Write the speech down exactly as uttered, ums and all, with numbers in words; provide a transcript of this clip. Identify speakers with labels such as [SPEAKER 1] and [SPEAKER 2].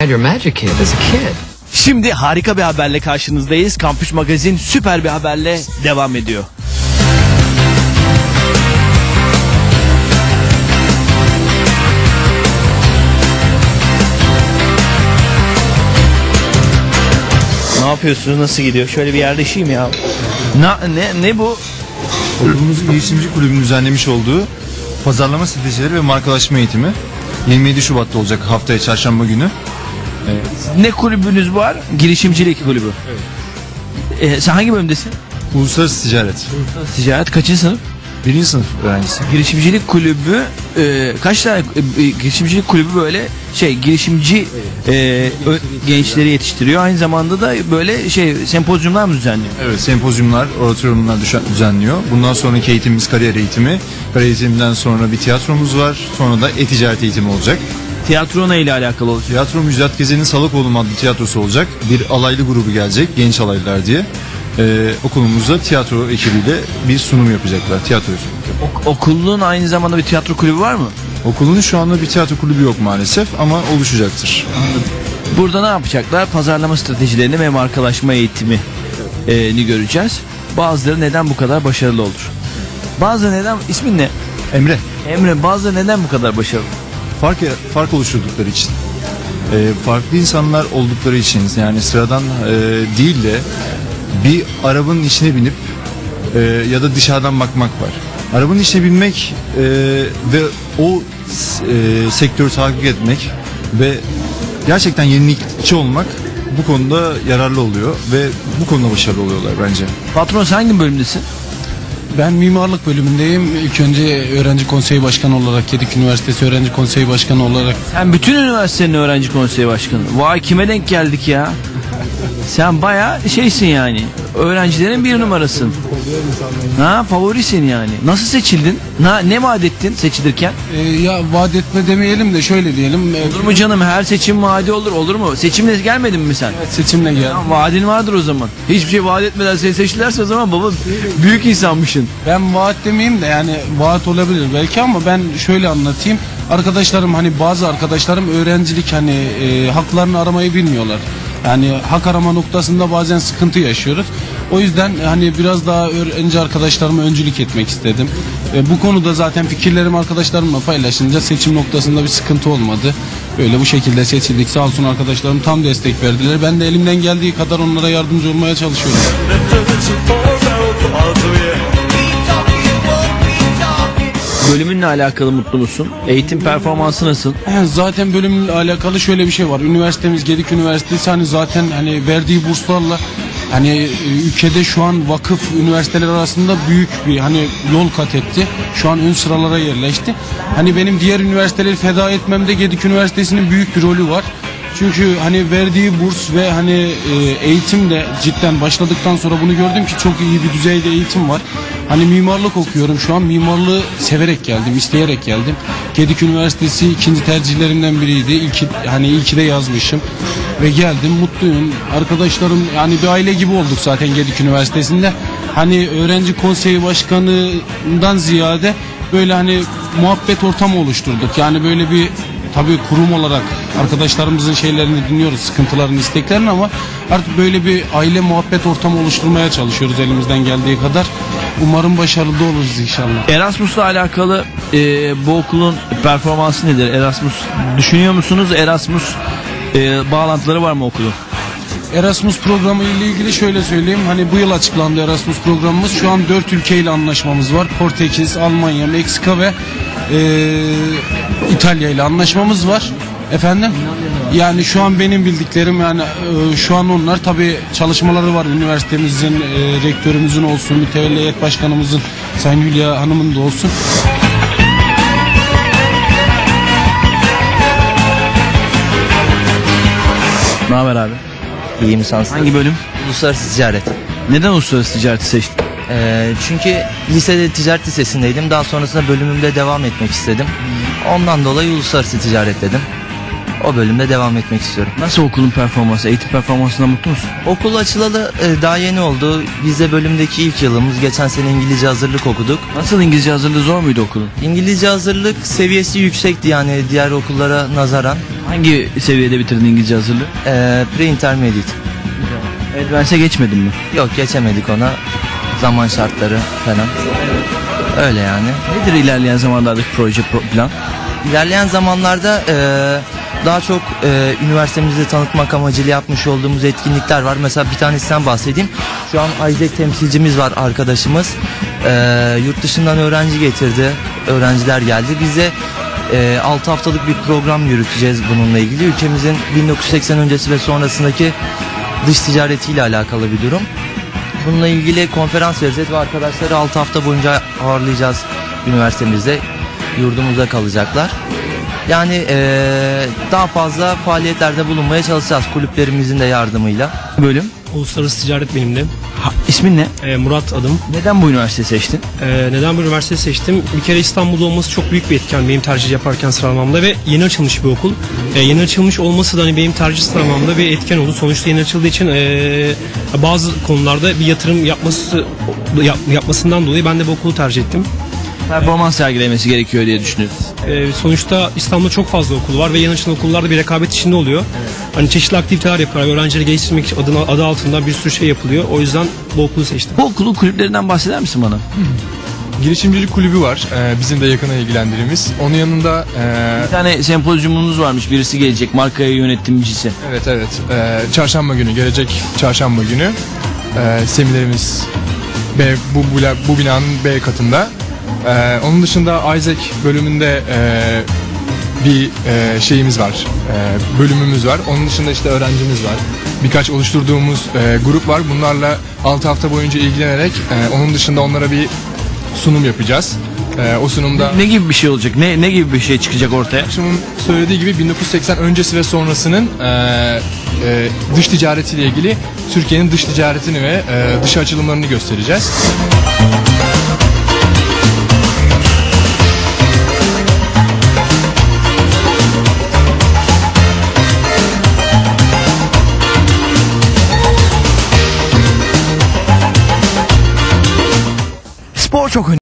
[SPEAKER 1] Your magic kid as a kid.
[SPEAKER 2] Şimdi harika bir haberle karşınızdayız. Kampüs Magazin süper bir haberle devam ediyor. Ne yapıyorsunuz? Nasıl gidiyor? Şöyle bir yerleşeyim ya. Na, ne ne bu?
[SPEAKER 3] Okulumuzun girişimci kulübünün düzenlemiş olduğu pazarlama stratejileri ve markalaşma eğitimi yirmi yedi Şubat'ta olacak, haftaya çarşamba günü.
[SPEAKER 2] Evet. Ne kulübünüz var? Girişimcilik kulübü. Evet. Ee, sen hangi bölümdesin?
[SPEAKER 3] Uluslararası ticaret.
[SPEAKER 2] Uluslararası ticaret kaçıncı sınıf?
[SPEAKER 3] Birinci sınıf öğrencisi.
[SPEAKER 2] Girişimcilik kulübü e, kaç tane e, girişimcilik kulübü böyle şey girişimci e, ö, gençleri yetiştiriyor. Aynı zamanda da böyle şey sempozyumlar mı düzenliyor?
[SPEAKER 3] Evet, sempozyumlar, oratoriumlar düzenliyor. Bundan sonraki eğitimimiz kariyer eğitimi. Kariyer eğitiminden sonra bir tiyatromuz var. Sonra da e-ticaret eğitimi olacak.
[SPEAKER 2] Tiyatro ne ile alakalı olacak?
[SPEAKER 3] Tiyatro Müjdat Gezen'in Salakoğlu adlı tiyatrosu olacak. Bir alaylı grubu gelecek, genç alaylılar diye. Ee, okulumuzda tiyatro ekibiyle bir sunum yapacaklar. Tiyatro
[SPEAKER 2] ok- Okulun aynı zamanda bir tiyatro kulübü var mı?
[SPEAKER 3] Okulun şu anda bir tiyatro kulübü yok maalesef ama oluşacaktır.
[SPEAKER 2] Anladım. Burada ne yapacaklar? Pazarlama stratejilerini ve markalaşma eğitimini göreceğiz. Bazıları neden bu kadar başarılı olur? Bazıları neden, ismin ne?
[SPEAKER 3] Emre.
[SPEAKER 2] Emre, bazıları neden bu kadar başarılı?
[SPEAKER 3] Fark, fark oluşturdukları için. Ee, farklı insanlar oldukları için, yani sıradan e, değil de bir arabanın içine binip e, ya da dışarıdan bakmak var. Arabanın içine binmek e, ve o e, sektörü takip etmek ve gerçekten yenilikçi olmak bu konuda yararlı oluyor ve bu konuda başarılı oluyorlar bence.
[SPEAKER 2] Patron, sen hangi bölümdesin?
[SPEAKER 4] Ben mimarlık bölümündeyim. İlk önce öğrenci konseyi başkanı olarak, Gedik Üniversitesi öğrenci konseyi başkanı olarak.
[SPEAKER 2] Sen bütün üniversitenin öğrenci konseyi başkanı. Vay, kime denk geldik ya? Sen bayağı şeysin yani. Öğrencilerin bir numarasın. Ha, favorisin yani. Nasıl seçildin? Na, ne vaat ettin seçilirken?
[SPEAKER 4] Ee, ya vaat etme demeyelim de şöyle diyelim.
[SPEAKER 2] Olur mu canım? Her seçim vaadi olur. Olur mu? Seçimle gelmedin mi sen?
[SPEAKER 4] Evet, seçimle geldim.
[SPEAKER 2] Tamam, vaadin vardır o zaman. Hiçbir şey vaat etmeden seni seçtilerse o zaman baba büyük insanmışsın.
[SPEAKER 4] Ben vaat demeyeyim de yani vaat olabilir belki ama ben şöyle anlatayım. Arkadaşlarım, hani bazı arkadaşlarım öğrencilik hani e, haklarını aramayı bilmiyorlar. Yani hak arama noktasında bazen sıkıntı yaşıyoruz. O yüzden hani biraz daha öğrenci arkadaşlarıma öncülük etmek istedim. E, bu konuda zaten fikirlerimi arkadaşlarımla paylaşınca seçim noktasında bir sıkıntı olmadı. Böyle bu şekilde seçildik. Sağ olsun arkadaşlarım tam destek verdiler. Ben de elimden geldiği kadar onlara yardımcı olmaya çalışıyorum.
[SPEAKER 2] Bölümünle alakalı mutlu musun? Eğitim performansı nasıl?
[SPEAKER 4] Zaten bölümle alakalı şöyle bir şey var. Üniversitemiz Gedik Üniversitesi hani zaten hani verdiği burslarla hani ülkede şu an vakıf üniversiteler arasında büyük bir hani yol kat etti. Şu an ön sıralara yerleşti. Hani benim diğer üniversiteleri feda etmemde Gedik Üniversitesi'nin büyük bir rolü var. Çünkü hani verdiği burs ve hani eğitim de cidden başladıktan sonra bunu gördüm ki çok iyi bir düzeyde eğitim var. Hani mimarlık okuyorum şu an. Mimarlığı severek geldim, isteyerek geldim. Gedik Üniversitesi ikinci tercihlerimden biriydi. İlk hani ilki de yazmışım ve geldim, mutluyum. Arkadaşlarım, yani bir aile gibi olduk zaten Gedik Üniversitesi'nde. Hani öğrenci konseyi başkanından ziyade böyle hani muhabbet ortamı oluşturduk. Yani böyle bir tabii kurum olarak arkadaşlarımızın şeylerini dinliyoruz, sıkıntılarını, isteklerini, ama artık böyle bir aile muhabbet ortamı oluşturmaya çalışıyoruz elimizden geldiği kadar. Umarım başarılı oluruz inşallah.
[SPEAKER 2] Erasmus'la alakalı e, bu okulun performansı nedir? Erasmus düşünüyor musunuz? Erasmus e, bağlantıları var mı okulun?
[SPEAKER 4] Erasmus programı ile ilgili şöyle söyleyeyim. Hani bu yıl açıklandı Erasmus programımız. Şu an dört ülkeyle anlaşmamız var. Portekiz, Almanya, Meksika ve e, İtalya ile anlaşmamız var. Efendim? Yani şu an benim bildiklerim, yani e, şu an onlar tabii çalışmaları var. Üniversitemizin, e, rektörümüzün olsun, mütevelli heyet başkanımızın, Sayın Hülya Hanım'ın da olsun.
[SPEAKER 2] Ne haber abi?
[SPEAKER 5] İyiyim, sansın.
[SPEAKER 2] Hangi bölüm?
[SPEAKER 5] Uluslararası ticaret.
[SPEAKER 2] Neden uluslararası ticareti seçtin?
[SPEAKER 5] Ee, çünkü lisede ticaret lisesindeydim. Daha sonrasında bölümümde devam etmek istedim. Ondan dolayı uluslararası ticaret dedim. O bölümde devam etmek istiyorum.
[SPEAKER 2] Nasıl okulun performansı, eğitim performansından mutlu musun?
[SPEAKER 5] Okul açılalı e, daha yeni oldu. Biz de bölümdeki ilk yılımız. Geçen sene İngilizce hazırlık okuduk.
[SPEAKER 2] Nasıl, İngilizce hazırlığı zor muydu okulun?
[SPEAKER 5] İngilizce hazırlık seviyesi yüksekti yani diğer okullara nazaran.
[SPEAKER 2] Hangi seviyede bitirdin İngilizce hazırlığı?
[SPEAKER 5] E, Pre-intermediate.
[SPEAKER 2] Advance'e geçmedin mi?
[SPEAKER 5] Yok geçemedik ona. Zaman şartları falan. Öyle yani.
[SPEAKER 2] Nedir ilerleyen zamanlardaki proje pro- plan?
[SPEAKER 5] İlerleyen zamanlarda e, daha çok e, üniversitemizi tanıtmak amacıyla yapmış olduğumuz etkinlikler var. Mesela bir tanesinden bahsedeyim. Şu an Isaac temsilcimiz var, arkadaşımız. E, yurt dışından öğrenci getirdi. Öğrenciler geldi. Biz de e, altı haftalık bir program yürüteceğiz bununla ilgili. Ülkemizin bin dokuz yüz seksen öncesi ve sonrasındaki dış ticaretiyle alakalı bir durum. Bununla ilgili konferans vereceğiz ve arkadaşları altı hafta boyunca ağırlayacağız üniversitemizde. Yurdumuzda kalacaklar. Yani eee, daha fazla faaliyetlerde bulunmaya çalışacağız kulüplerimizin de yardımıyla.
[SPEAKER 2] Bölüm.
[SPEAKER 1] Uluslararası ticaret benimdi.
[SPEAKER 2] Ha, ismin ne?
[SPEAKER 1] Ee, Murat adım.
[SPEAKER 2] Neden bu üniversiteyi seçtin?
[SPEAKER 1] Ee, neden bu üniversiteyi seçtim? Bir kere İstanbul'da olması çok büyük bir etken benim tercih yaparken sıralamamda ve yeni açılmış bir okul. Ee, yeni açılmış olması da hani benim tercih sıralamamda bir etken oldu. Sonuçta yeni açıldığı için ee, bazı konularda bir yatırım yapması yap, yapmasından dolayı ben de bu okulu tercih ettim.
[SPEAKER 2] Performans sergilemesi gerekiyor diye düşünüyoruz.
[SPEAKER 1] Ee, sonuçta İstanbul'da çok fazla okul var ve yeni açılan okullarda bir rekabet içinde oluyor. Hani çeşitli aktiviteler yapıyorlar. Öğrencileri geliştirmek için adına, adı altında bir sürü şey yapılıyor. O yüzden bu okulu seçtim.
[SPEAKER 2] Bu okulun kulüplerinden bahseder misin bana?
[SPEAKER 6] Girişimcilik kulübü var. Ee, bizim de yakına ilgilendiğimiz. Onun yanında e,
[SPEAKER 2] Bir tane sempozyumunuz varmış, birisi gelecek, markaya yönetimcisi.
[SPEAKER 6] evet evet e, çarşamba günü gelecek çarşamba günü e, seminerimiz B, bu, bu, bu binanın B katında. E, onun dışında Isaac bölümünde e, bir e, şeyimiz var. E, bölümümüz var. Onun dışında işte öğrencimiz var. Birkaç oluşturduğumuz e, grup var. Bunlarla altı hafta boyunca ilgilenerek e, onun dışında onlara bir sunum yapacağız. Ee, o sunumda
[SPEAKER 2] Ne gibi bir şey olacak? Ne ne gibi bir şey çıkacak ortaya?
[SPEAKER 6] akşamın söylediği gibi bin dokuz yüz seksen öncesi ve sonrasının e, e, dış ticaretiyle ilgili Türkiye'nin dış ticaretini ve e, dış açılımlarını göstereceğiz.
[SPEAKER 2] Spor çok önemli.